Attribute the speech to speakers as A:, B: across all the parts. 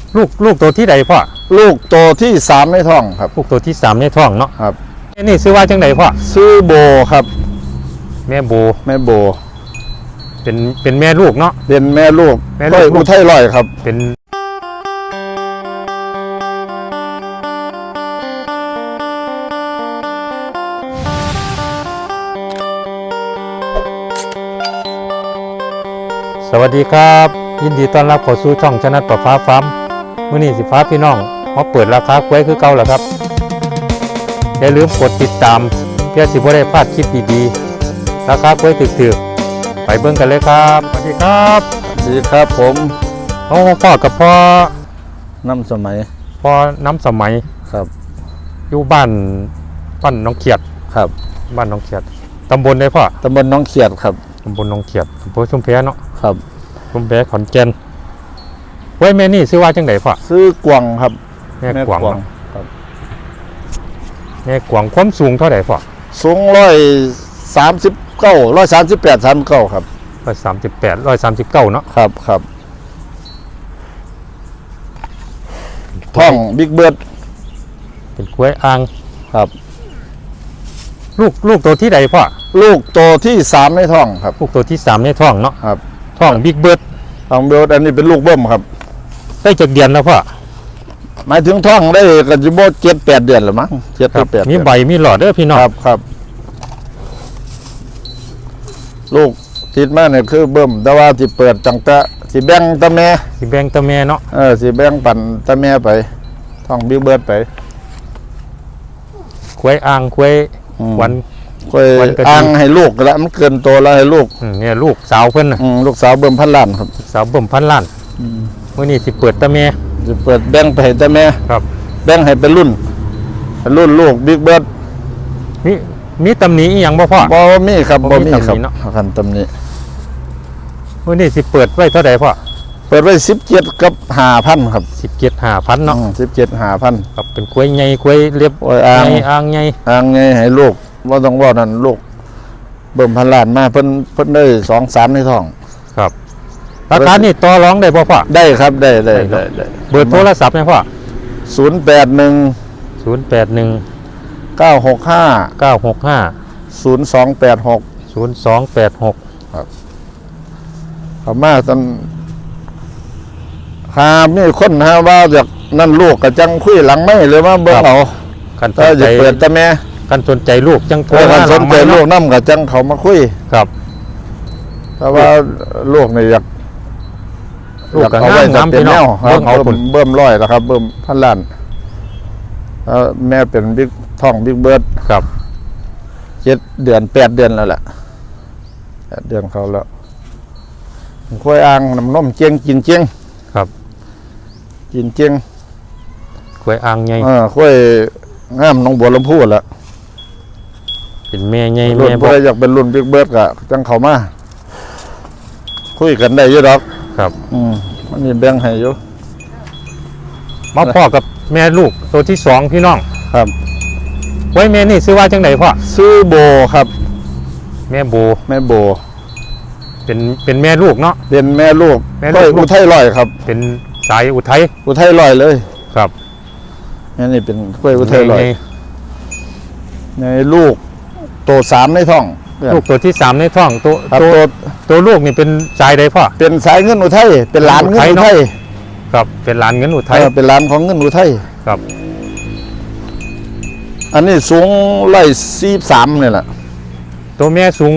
A: ลูกตัวที่ใดพ่อ
B: ลูกตัวที่3ในท้องครับ
A: ลูกตัวที่3ในท้องเนาะ
B: ครับ
A: นี่ซื้อว่าจังไดพ่อ
B: ซื้อโบครับ
A: แม่โบเป็นแม่ลูกเนาะ
B: เป็นแม่ลูกก็อุทัยลอยครับ
A: เป็นสวัสดีครับยินดีต้อนรับเข้าสู่ช่องชนะประฟ้าฟาร์มมื้อนี้สิฟ้าพี่น้องมาเปิดราคากล้วยคือเก่าแล้วครับอย่าลืมกดติดตามเพื่อสิบ่ได้พลาดคลิปดีๆราคากล้วยถึกๆไปเบิ่งกันเลยครับสวัสดีครับ
B: สวัสดีครับผม
A: พ่อกับพ่อ
B: น้ำสมัย
A: พ่อน้ำสมัย
B: ครับ
A: อยู่บ้านน้องเขียด
B: ครับ
A: บ้านน้องเขียดตำบลใดพ่อ
B: ตำบลน้องเขียดครับ
A: ตำบลน้องเขียดอำเภอชุมแพเนาะ
B: ครับ
A: ชุมแพขอนแก่นไว้แม่นี่ซื้อว่าจังไดพ่อ
B: ซื้อกวางครับ
A: แม่กวาง
B: ครับ
A: แม่กวางความสูงเท่าไหร่พ่อ
B: สูง138 39ครับ
A: 138 139เนาะ
B: ครับท้องบิ๊กเบิร์ด
A: เป็นกล้วยอ่าง
B: ครับ
A: ลูกตัวที่ใดพ่อ
B: ลูกตัวที่3ในท้องครับ
A: ลูกตัวที่3ในท้องเนาะ
B: ครับ
A: ท้องบิ๊กเบิร์ด
B: ท้องเบิร์ดอันนี้เป็นลูกเบิ้มครับ
A: ได้จากเดือนแล้วพ่อ
B: หมายถึงท้องได้กันจะบ่7-8 เดือนหรือมั้ง7-8
A: มีใบมีหลอดเด้อพี่น้อง
B: ครับลูกติดมาเนี่ยคือเบิ้มแต่ว่าสิเปิดตั้งแต่สิแบ่งตะแม่
A: เนาะ
B: สิแบ่งปันตะแม่ไปท้องบิ๊กเบิร์ดไป
A: กล้วยอ่างกล้วยวัน
B: อ่างให้ลูกแล้วมันเกินโตแล้วให้ลูก
A: เนี่ยลูกสาวเพิ่น
B: ลูกสาวเบิ่มพันล้านครับ
A: สาวเบิ่มพันล้านมื้อนี้สิเปิดตะแม่
B: สิเปิดแบ่งไปให้ตะแม่
A: ครับ
B: แบ่งให้เป็นรุ่นลูกบิ๊กเบิร์ด
A: มีตำหนิอีหยังบ่พ่อ
B: บ่มีครับบ่มีครับคันตำหนิ
A: มื้อนี้สิเปิดไว้เท่าใดพ่อ
B: เปิดไว้17กับ 5,000 ครับ
A: 17 5,000เนาะ
B: 17 5,000
A: ครับเป็นกล้วยใหญ่กล้วยเรียบอ่างใหญ่
B: ให้ลูกบ่ต้องว่านั่นลูกเบิ่มพันล้านมาเพิ่นได้2-3ในท้อง
A: ครับราคานี่ต่อรองได้บ่พ่อ
B: ได้ครับได้
A: เบอร์โทรศัพท์นะพ่อ
B: 081 965 0286 ครับเขามาซั่นมีคนว่าจากนั่นลูกก็จังคุยหลังไม่หรือว่าเบิ่งเอา
A: กันสนใจ
B: เปิดแต่แม่
A: กันสนใจลูกจังโทร
B: มาสนใจลูกนำก็จังเขามาคุย
A: ครับ
B: เพราะว่าลูกนี่อยาก
A: ลูกก็งามพี่น้อง
B: เบิ่มร้อยแล้วครับเบิ่มพันล้านแม่เป็นบิ๊กท้องบิ๊กเบิร์ด
A: ครับ
B: 7 เดือน 8 เดือนแล้วแหละ8 เดือนเขาแล้วกล้วยอ่างน้ำนมเจียงกินเจียง
A: ครับ
B: กินเจียง
A: กล้วยอ่างใหญ่
B: กล้วยงามน้องบัวลำพูแล้ว
A: เป็นแม่ใหญ่
B: แม่บ่ได้อยากเป็นรุ่นบิ๊กเบิร์ดก็จังเข้ามาคุยกันได้อยู่ดอก
A: ครับ
B: มันมีแบ่งให้อยู่
A: มาพ่อกับแม่ลูกตัวที่2พี่น้อง
B: ครับ
A: ไว้แม่นี่ซื้อว่าจังไดพ่อ
B: ซื้อโบครับ
A: แม่โบเป็นแม่ลูกเนาะ
B: เป็นแม่ลูกก็อุทัยลอยครับ
A: เป็นสายอุทัย
B: ลอยเลย
A: ครับ
B: นี่เป็นกล้วยอุทัยลอยในลูกตัว3ในท้อง
A: ลูกตัวที่3ในท้องตัวลูกนี่เป็นสายใดพ่อ
B: เป็นสายเงินอุทัยเป็นหลานเงินอุทัย
A: ครับเป็นหลานเงินอุทัย
B: เป็นหลานของเงินอุทัย
A: ครับ
B: อันนี้สูง143นี่แหละ
A: ตัวแม่สูง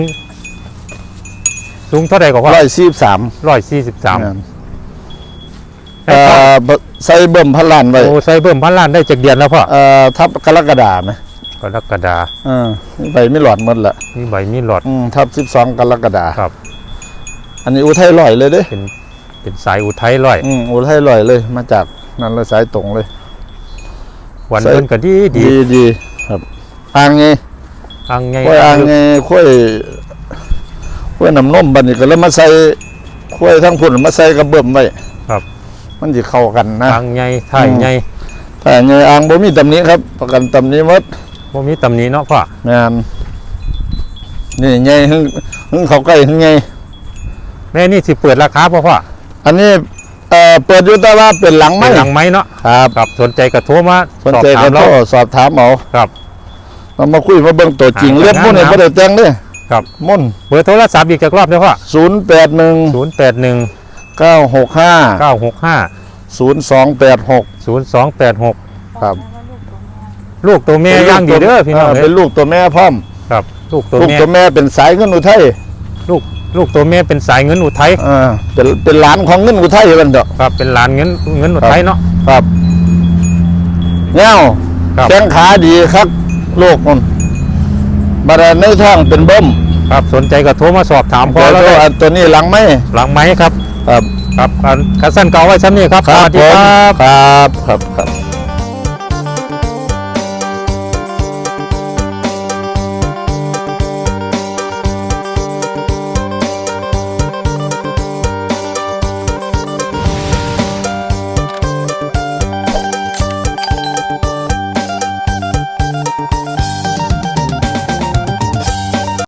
A: เท่าไหร่กว่า
B: 143ใส่เบิ่มพันล้านไว้
A: ใส่เบิ่มพันล้านได้จากเดือนแล้วพ่อ
B: ทับกรกฎาคมไหม
A: กรกฎา
B: ใบไม่หลอดหมดละ
A: มีใบมีหลอด
B: ทับ12กรกฎาคม
A: ครับ
B: อันนี้อุทัยลอยเลยเด้
A: เป็นสายอุทัยลอย
B: อุทัยลอยเลยมาจากนั่นเลยสายตรงเลย
A: วันเดินก็ดี
B: ครับอ่างไงค่อยน้ำนมบัดนี้ก็แล้วมาใส่ค่อยทั้งพุ่นมาใส่กระเบิ่มไว้
A: ครับ
B: มันจะเข้ากันนะ
A: อ่างใหญ่ถ่ายใหญ่
B: อ่างบ่มีตำหนิครับประกันตำหนิหมด
A: บ่มีตำหนิเนาะพ่อ
B: แม่นนี่ใหญ่หึงเข้าใกล้หึงใหญ่
A: แม่นี่สิเปิดราคาพ่อ
B: อันนี้เปิดอยู่แต่ว่าเป็นหลัง
A: เป็
B: ไม้
A: นหลังไม้เนาะ
B: ครับ
A: ครับสนใจกระโทรมา
B: สนใจก็โทรสอบถามเอา
A: ครับ
B: มาคุยมาเบิ่งตัวจริง
A: อ่า
B: เรียบมุ่นเนี่ย
A: งาม
B: บ่ได้แต่งเด้
A: ครับ
B: มุ่น
A: เบอร์โทรศัพท์อีกจักรอบเด้อพ่อ
B: 081
A: 081
B: 965
A: 965
B: 0286
A: 0286
B: ครับ
A: ลูกตัวแม่ย่างดีเด้อพี่น้อง
B: เป็นลูกตัวแม่พร้อม
A: ครับลูกตัว
B: ลูก
A: แม่
B: ตัวแม่เป็นสายเงินอุทัย
A: ลูกตัวแม่เป็นสายเงินอุทัย
B: เป็นหลานของเงินอุทัยมันเด้อ
A: ครับเป็นหลานเงินอุทัยเนาะ
B: ครับเงี้ยว
A: ครับ
B: แข้งขาดีครับลูกมันบาดาลในท้องเป็นเบิ้ม
A: ครับสนใจก็โทรมาสอบถามพ่อ
B: แล้
A: แล้ว วได้
B: ตัวนี้หลังไหม
A: หลังไม้ครับ
B: ครับ
A: ครับคัสซันเก่าไว้ชั้นนี้ครับสวัสดีครับ
B: ครับครับ